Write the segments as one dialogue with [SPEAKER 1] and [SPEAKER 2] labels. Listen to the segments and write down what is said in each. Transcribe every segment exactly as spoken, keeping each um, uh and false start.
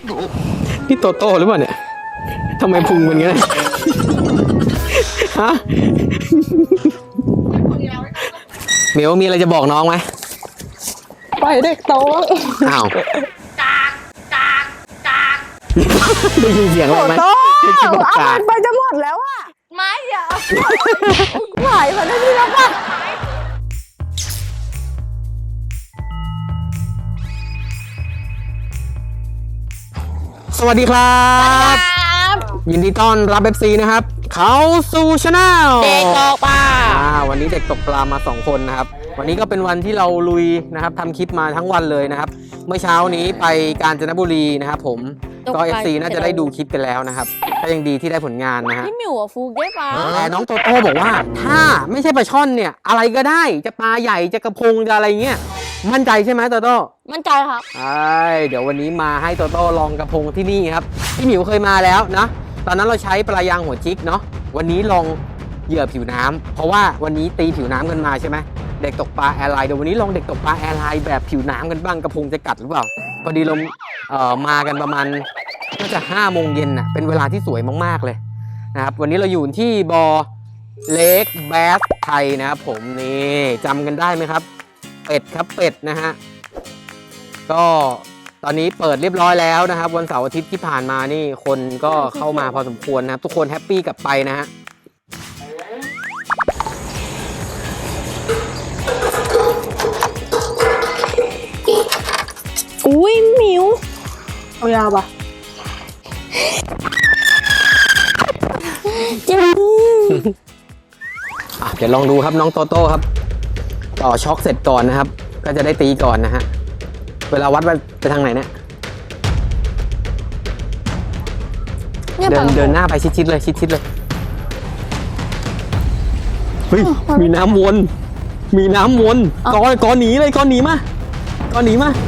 [SPEAKER 1] นี่โตโต้หรือเปล่าเนี่ยทำไมพุงมันงี้ฮะเหมียวมีอะไรจะบอกน้องไหม
[SPEAKER 2] ไปเด็กโต
[SPEAKER 1] อ้าวได้ยินเสียงอะไรไหม
[SPEAKER 2] โตเอามันไปจะหมดแล้วอ่ะไม่อย่าไหวมาได้ที่แล้วป่ะ
[SPEAKER 1] สวัสดีครับยินดีต้อนรับ เอฟ ซี นะครับเขาสู่ชาแนล
[SPEAKER 2] เด็กตกปลา
[SPEAKER 1] วันนี้เด็กตกปลามาสองคนนะครับวันนี้ก็เป็นวันที่เราลุยนะครับทำคลิปมาทั้งวันเลยนะครับเมื่อเช้านี้ไปกาญจนบุรีนะครับผมก็ เอฟ ซี น่าจะได้ดูคลิปกันแล้วนะครับก็ยังดีที่ได้ผลงานนะฮะ
[SPEAKER 2] พี่หมิวอะฟูเก็ตปลา
[SPEAKER 1] แต่น้องโตโต้บอกว่าถ้าไม่ใช่ปลาช่อนเนี่ยอะไรก็ได้จะปลาใหญ่จะกระพงจะอะไรเงี้ยมั่นใจใช่ไหมโตโต้
[SPEAKER 2] มั่นใจครับ
[SPEAKER 1] ใช่เดี๋ยววันนี้มาให้โตโต้ลองกระพงที่นี่ครับพี่หมิวเคยมาแล้วนะตอนนั้นเราใช้ปลายางหัวจิกเนาะวันนี้ลองเหยื่อผิวน้ำเพราะว่าวันนี้ตีผิวน้ำกันมาใช่ไหมเด็กตกปลาแอร์ไลน์เดี๋ยววันนี้ลองเด็กตกปลาแอร์ไลน์แบบผิวน้ำกันบ้างกระพงจะกัดหรือเปล่าพอดีเราเอ่อมากันประมาณน่าจะห้าโมงเย็นน่ะเป็นเวลาที่สวยมากๆเลยนะครับวันนี้เราอยู่ที่บอเล็กแบสไทยนะครับผมนี่จำกันได้ไหมครับเป็ดครับเป็ดนะฮะก็ตอนนี้เปิดเรียบร้อยแล้วนะครับวันเสาร์อาทิตย์ที่ผ่านมานี่คนก็เข้ามาพอสมควรนะครับทุกคนแฮปปี้กลับไปนะฮะ
[SPEAKER 2] อุ้ยมิวเอายาวปะจริง
[SPEAKER 1] เดี๋ยวลองดูครับน้องโตโต้ครับต่อช็อคเสร็จก่อนนะครับก็จะได้ตีก่อนนะฮะเวลาวัดไปทางไหนเนี่ยเดินเดินหน้าไปชิดๆเลยชิดๆเลยเฮ้ยมีน้ำวนมีน้ำวนก้อนก้อนหนีเลยก้อนหนีมาก้อนหนีมา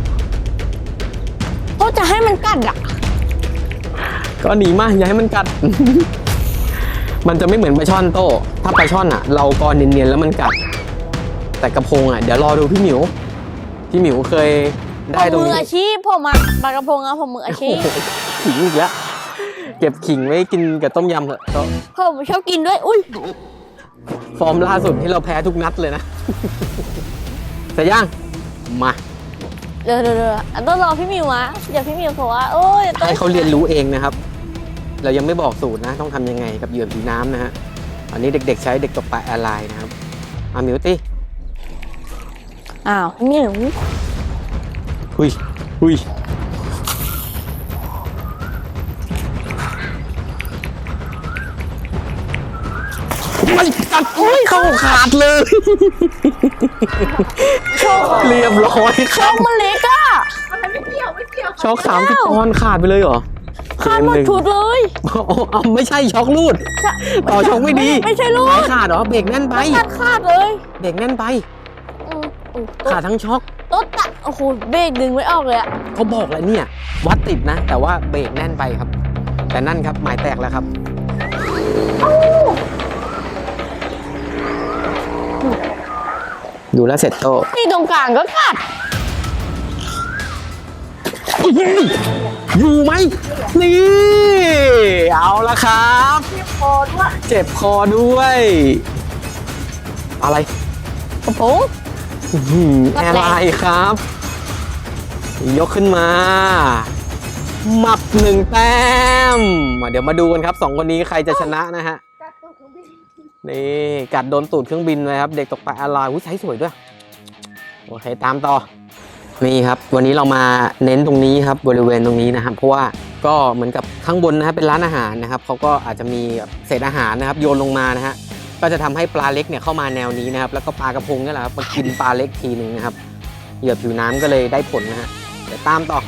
[SPEAKER 2] ก็จะให้มันกัดอ่ะ
[SPEAKER 1] ก้อนหนีมาอย่าให้มันกัด มันจะไม่เหมือนปลาช่อนโต้ถ้าปลาช่อนอ่ะเราก้อนเนียนๆแล้วมันกัดแต่กระพงอ่ะเดี๋ยวรอดูพี่หมิวพี่หมิวเคยได้ตรงนี้
[SPEAKER 2] มืออาชีพผมอ่ะปลากระพงอ่ะผมมืออาชีพ
[SPEAKER 1] ขิงอีกแล้วเก็บขิงไว้กินกับต้มยำเถอะโต้
[SPEAKER 2] ผมชอบกินด้วยอุ้ย
[SPEAKER 1] ฟอร์มล่าสุดที่เราแพ้ทุกนัดเลยนะเสร็จยังมา
[SPEAKER 2] เดี๋ยวเดี๋ยวต้องรอพี่มิวมาเดี๋ยวพี่มิวบอกว่าโอ้ย
[SPEAKER 1] ให้เขาเรียนรู้เองนะครับเรายังไม่บอกสูตรนะต้องทำยังไงกับเหยื่อผีน้ำนะฮะอันนี้เด็กๆใช้เด็กตกปลาแอร์ไลน์นะครับอามิวตี้
[SPEAKER 2] อ้าวมิว
[SPEAKER 1] หุยหุยไม่ตัดอุ้ยเข้าขาดเลยเรียบร้อย
[SPEAKER 2] ช็อกมันเล็กอ่ะ
[SPEAKER 1] ไม่เกี่ยวไม่เกี่ยวช็อกสามสิบปอนด์ขาดไปเลยเหรอ
[SPEAKER 2] ขาดหมดชุดเลย
[SPEAKER 1] อ๋อไม่ใช่ช็อกลูดต่อช็อกไม่ดี
[SPEAKER 2] ไม่ใช่ลูด
[SPEAKER 1] ขาดเหรอเบรกแน่นไป
[SPEAKER 2] ขาดขาดเลย
[SPEAKER 1] เบรกแน่นไปขาดทั้งช็อก
[SPEAKER 2] รถตัดโอ้โหเบรกดึงไม่ออกเลยอ่ะ
[SPEAKER 1] เขาบอกแล้วเนี่ยวัดติดนะแต่ว่าเบรกแน่นไปครับแต่นั่นครับหมายแตกแล้วครับดูแลเสร็จโต
[SPEAKER 2] ที่ตรงกลางก็กัด
[SPEAKER 1] อยู่ไหมนี่เอาละครับเจ็บคอด้วยเจ็บคอด้วยอะไร
[SPEAKER 2] กระพง
[SPEAKER 1] แอร์ไลน์ครับยกขึ้นมาหมับหนึ่งแต้มเดี๋ยวมาดูกันครับสองคนนี้ใครจะชนะนะฮะนี่กัดโดนตูดเครื่องบินเลยครับเด็กตกปลาแอร์ไลน์อุ้ยใช้สวยด้วยโอเคตามต่อนี่ครับวันนี้เรามาเน้นตรงนี้ครับบริเวณตรงนี้นะครับเพราะว่าก็เหมือนกับข้างบนนะครับเป็นร้านอาหารนะครับเขาก็อาจจะมีเศษอาหารนะครับโยนลงมานะฮะก็จะทำให้ปลาเล็กเนี่ยเข้ามาแนวนี้นะครับแล้วก็ปลากระพงนี่แหละครับมากินปลาเล็กทีหนึ่งนะครับเหยื่อผิวน้ำก็เลยได้ผลนะฮะเดี๋ยวตามต่อ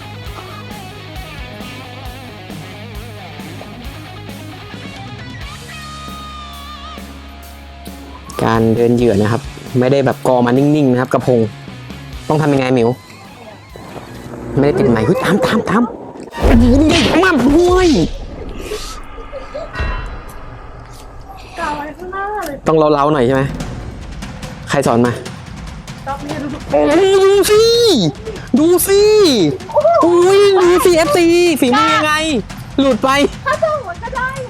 [SPEAKER 1] การเดินเหยื่อนะครับไม่ได้แบบกอมานิ่งๆนะครับกระพงต้องทำยังไงมิวไม่ได้ติดไหมเฮ้ยตามตามตามยิงใหญ่มากด้วยต้องเล้าๆหน่อยใช่ไหมใครสอนมาดูสิดูสิอุ้ยดูสิเอฟซีฝีมือยังไง หลุดไป
[SPEAKER 2] ถ้าส่งมันก็ได้ไง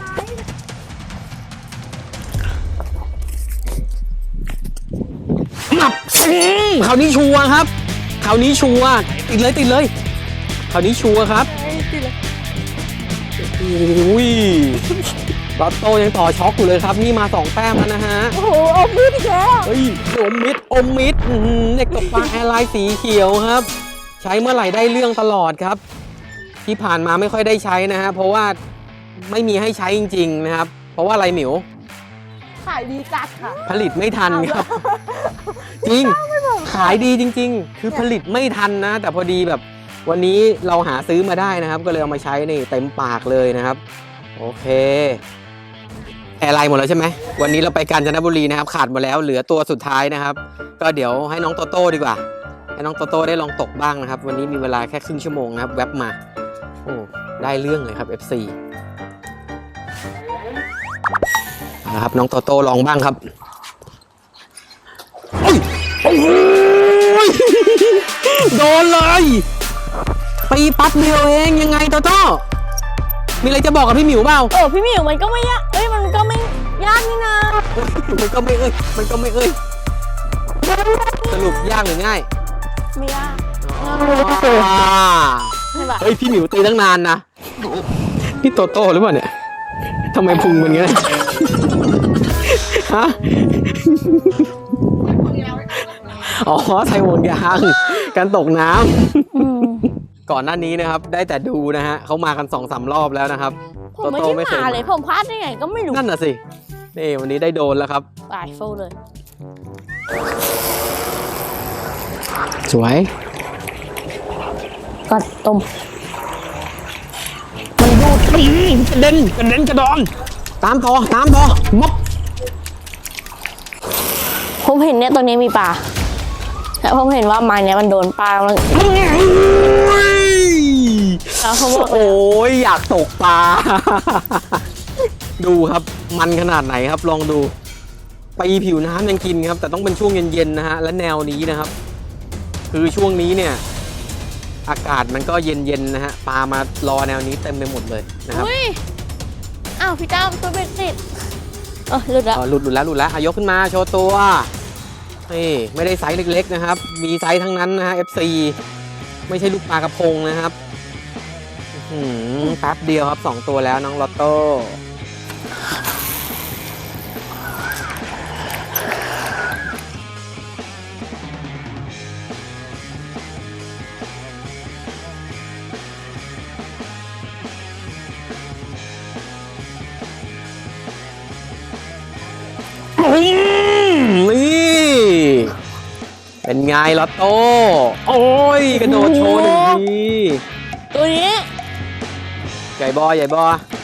[SPEAKER 1] หมับอืมคราวนี้ชัวร์ครับคราวนี้ชัวร์ติดเลยติดเลยคราวนี้ชัวร์ครับโอ้ยลอตโต้ยังต่อช็อกอยู่เลยครับนี่มาสองแต้มแล้วนะฮะ
[SPEAKER 2] โอ้โหอมมิดอีกแล้ว
[SPEAKER 1] เฮ้ยอมมิดอมมิดอื้อหือเด็กตกปลาแอร์ไลน์สีเขียวครับ ใช้เมื่อไหร่ได้เรื่องตลอดครับ ที่ผ่านมาไม่ค่อยได้ใช้นะฮะเพราะว่าไม่มีให้ใช้จริงๆนะครับ เพราะว่าอะไรหมิว
[SPEAKER 2] ขายดีจัดค่ะ
[SPEAKER 1] ผลิตไม่ทันครับ จริงขายดีจริง ๆ คือผลิตไม่ทันนะ แต่พอดีแบบวันนี้เราหาซื้อมาได้นะครับ ก็เลยเอามาใช้นี่เต็มปากเลยนะครับ โอเคแอร์ไลน์หมดแล้วใช่ไหมวันนี้เราไปกาญจนบุรีนะครับ ขาดหมดแล้วเหลือตัวสุดท้ายนะครับ ก็เดี๋ยวให้น้องโตโต้ดีกว่า ให้น้องโตโต้ได้ลองตกบ้างนะครับ วันนี้มีเวลาแค่ครึ่งชั่วโมงนะครับแวบมาโอ้ได้เรื่องเลยครับ เอฟ ซี นะครับน้องโตโต้ลองบ้างครับโอ้ยโอ้ยโดนเลยปีปั๊บเดียวเองยังไงโตโต้มีอะไรจะบอกกับพี่หมิวเปล่า
[SPEAKER 2] เออพี่หมิวมันก็ไม่ยากเอ้ยมันก็ไม่ยากนี่นะ
[SPEAKER 1] มันก็ไม่เอ้ยมันก็ไม่เอ้ยสรุปยากหรือง่าย
[SPEAKER 2] ไม่ยาก
[SPEAKER 1] อ่า
[SPEAKER 2] ใช่ปะ
[SPEAKER 1] เฮ้ยพี่หมิวตีตั้งนานนะพี่โตโต้หรือเปล่าเนี่ยทำไมพุงมันงี้ฮะอ๋อใส่ห่วงยางการตกน้ำก่อนหน้านี้นะครับ ได้แต่ดูนะฮะเขามากันสองสามรอบแล้วนะครับ
[SPEAKER 2] ผมไม่ได้มาเลยผมพลาดได้ไงก็ไม่รู้
[SPEAKER 1] นั่นน่ะสินี่วันนี้ได้โดนแล้วครับ
[SPEAKER 2] ตายโฟเลย
[SPEAKER 1] สวย
[SPEAKER 2] ก็ต้ม
[SPEAKER 1] มันดูดปีกระเด็นกระเด็นกระดอนตามต่อตามต่อมบ
[SPEAKER 2] ผมเห็นเนี่ยตรงนี้มีปลาแล้วผมเห็นว่าไม้เนี่ยมันโดนปลาแล้วแล้วเขาบอก
[SPEAKER 1] โอ้ยอยากตกปลา ดูครับมันขนาดไหนครับลองดูปีผิวน้ำยังกินครับแต่ต้องเป็นช่วงเย็นๆนะฮะและแนวนี้นะครับ คือช่วงนี้เนี่ยอากาศมันก็เย็นๆนะฮะปลามารอแนวนี้เต็มไปหมดเลยนะครับ
[SPEAKER 2] อุ้ยอ้าวพี่ตั้มตัวเป็นติดเออหลุดแล้ว
[SPEAKER 1] อ๋อหลุดหลุดแล้วหลุดแล้วอ่ะยกขึ้นมาโชว์ตัวนี่ไม่ได้ไซส์เล็กๆนะครับมีไซส์ทั้งนั้นนะฮะ เอฟ ซี ไม่ใช่ลูกปลากระพงนะครับอื้อหือแป๊บเดียวครับสองตัวแล้วน้องลอตโต้นี่เป็นไงลอตโต้โอ้ยกระโดดโชว์หนึ่งที
[SPEAKER 2] ตัวนี้
[SPEAKER 1] ใหญ่บอใหญ่บอ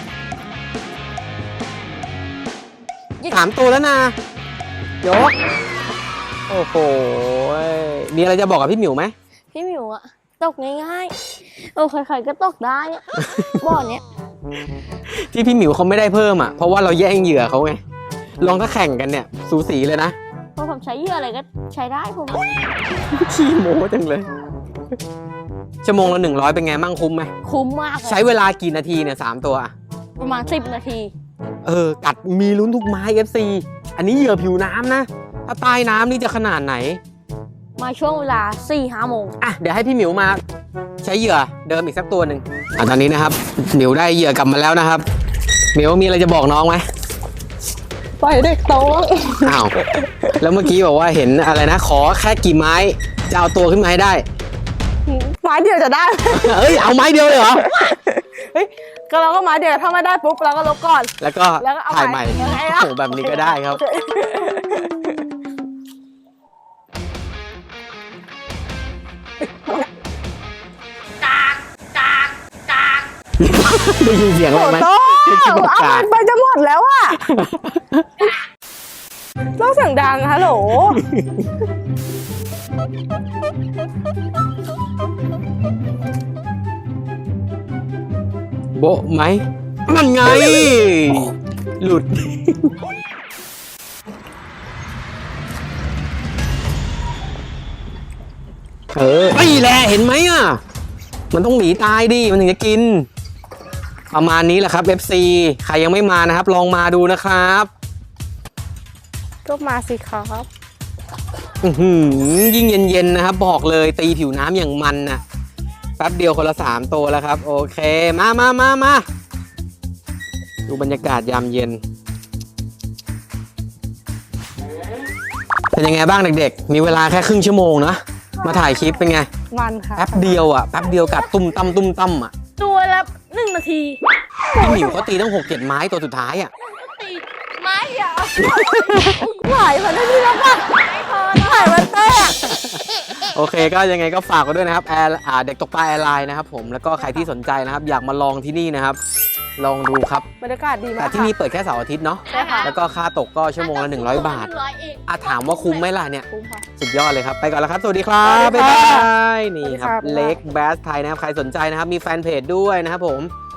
[SPEAKER 1] สามตัวแล้วนะยกโอ้โหมีอะไรจะบอกกับพี่หมิวไหม
[SPEAKER 2] พี่หมิวอะตกง่ายๆเออใครๆก็ตกได้อะบ่อเนี้ย
[SPEAKER 1] ที่พี่หมิวเขาไม่ได้เพิ่มอ่ะเพราะว่าเราแย่งเหยื่อเขาไงลองถ้าแข่งกันเนี่ยสูสีเลยนะ
[SPEAKER 2] เพราะผมใช้เหยื่ออะไรก็ใช้ได้ผม
[SPEAKER 1] ขี้โม้จังเลยชั่วโมงละหนึ่งร้อยเป็นไงมั่งคุ้มไหม
[SPEAKER 2] คุ้มมากเลย
[SPEAKER 1] ใช้เวลากี่นาทีเนี่ยสามตัวอะ
[SPEAKER 2] ประมาณสิบนาที
[SPEAKER 1] เออกัดมีลุ้นทุกไม้ เอฟ ซี อันนี้เหยื่อผิวน้ำนะถ้าใต้น้ำนี่จะขนาดไหน
[SPEAKER 2] มาช่วงเวลาสี่ห้าโมง
[SPEAKER 1] อ่ะเดี๋ยวให้พี่หมิวมาใช้เหยื่อเดิมอีกสักตัวหนึ่งอ่ะตอนนี้นะครับหมิวได้เหยื่อกลับมาแล้วนะครับหมิวมีอะไรจะบอกน้องไหม
[SPEAKER 2] ปล่อยเด็กโต
[SPEAKER 1] อ้าวแล้วเมื่อกี้บอกว่าเห็นอะไรนะขอแค่กี่ไม้จะเอาตัวขึ้นมาให้ได้
[SPEAKER 2] ไม้เดียวจะได้
[SPEAKER 1] เอ้ยเอาไม้เดียวเลยเหรอ
[SPEAKER 2] เฮ้ยก็เราก็ไม้เดียวถ้าไม่ได้ปุ๊บเราก็ลบก่อน
[SPEAKER 1] แล้วก็
[SPEAKER 2] แล้วก็เอา
[SPEAKER 1] ถ่ายใหม่
[SPEAKER 2] ใหม่ยังไงอะ
[SPEAKER 1] โอ้โหแบบนี้ก็ได้ครับได้ยินเสียงอะไรไหม
[SPEAKER 2] โตเอามันไปจะหมดแล้วอะต้องเสียงดังฮัลโหล
[SPEAKER 1] โบะไหมมันไง หลุดเออไม่แหละเห็นไหมอ่ะมันต้องหนีตายดิมันถึงจะกินประมาณนี้แหละครับ เอฟ ซี ใครยังไม่มานะครับลองมาดูนะครับ
[SPEAKER 2] ก็มาสิครับ
[SPEAKER 1] อื้อหือยิ่งเย็นๆนะครับบอกเลยตีผิวน้ำอย่างมันนะแป๊บเดียวคนละสามตัวแล้วครับโอเคมามามามาดูบรรยากาศยามเย็นเป็นยังไงบ้างเด็กๆมีเวลาแค่ครึ่งชั่วโมงนะมาถ่ายคลิปเป็นไง
[SPEAKER 2] มันค่ะ
[SPEAKER 1] แป๊บเดียวอ่ะแป๊บเดียวกัดตุ้มตั้มตุ้มตั้มอ่ะ
[SPEAKER 3] ตัวละหนึ่งนาที
[SPEAKER 1] พี่หมิวเขาตีตั้งหกเจ็ดไม้ตัวสุดท้ายอ่ะ
[SPEAKER 3] ตีไม้ยาว
[SPEAKER 2] ไหวมันได้ที่แล้วป่ะ
[SPEAKER 3] ไม่พอ
[SPEAKER 2] ไหวมันเต้อะ
[SPEAKER 1] โอเคก็ยังไงก็ฝากไว้ด้วยนะครับแอร์อ่าเด็กตกปลาแอร์ไลน์นะครับผมแล้วก็ใครที่สนใจนะครับอยากมาลองที่นี่นะครับลองดูครับ
[SPEAKER 2] บรรยากาศดีมา
[SPEAKER 1] แต่
[SPEAKER 2] ก
[SPEAKER 1] ที่นี่เปิดแค่เสาร์อาทิตย์เนาะ
[SPEAKER 2] ใช่ค่ะ
[SPEAKER 1] แล้วก็ค่าตกก็ชั่วโมงละหนึ่งร้อยบาท
[SPEAKER 3] หนึ่งร้อยเอง
[SPEAKER 1] อ่ะถามว่าคุ้มไหมล่ะเนี่ย
[SPEAKER 2] คุ้มค่ะ
[SPEAKER 1] สุดยอดเลยครับ ไปก่อนแล้วครับ สวัสดีครับ
[SPEAKER 2] สวัสดี
[SPEAKER 1] บ๊าย
[SPEAKER 2] ค่ะ
[SPEAKER 1] บาย นี่ครับ
[SPEAKER 2] สวัสดีค่ะ
[SPEAKER 1] เล็กแบสไทยนะครับ ใครสนใจนะครับ มีแฟนเพจด้วยนะครับผม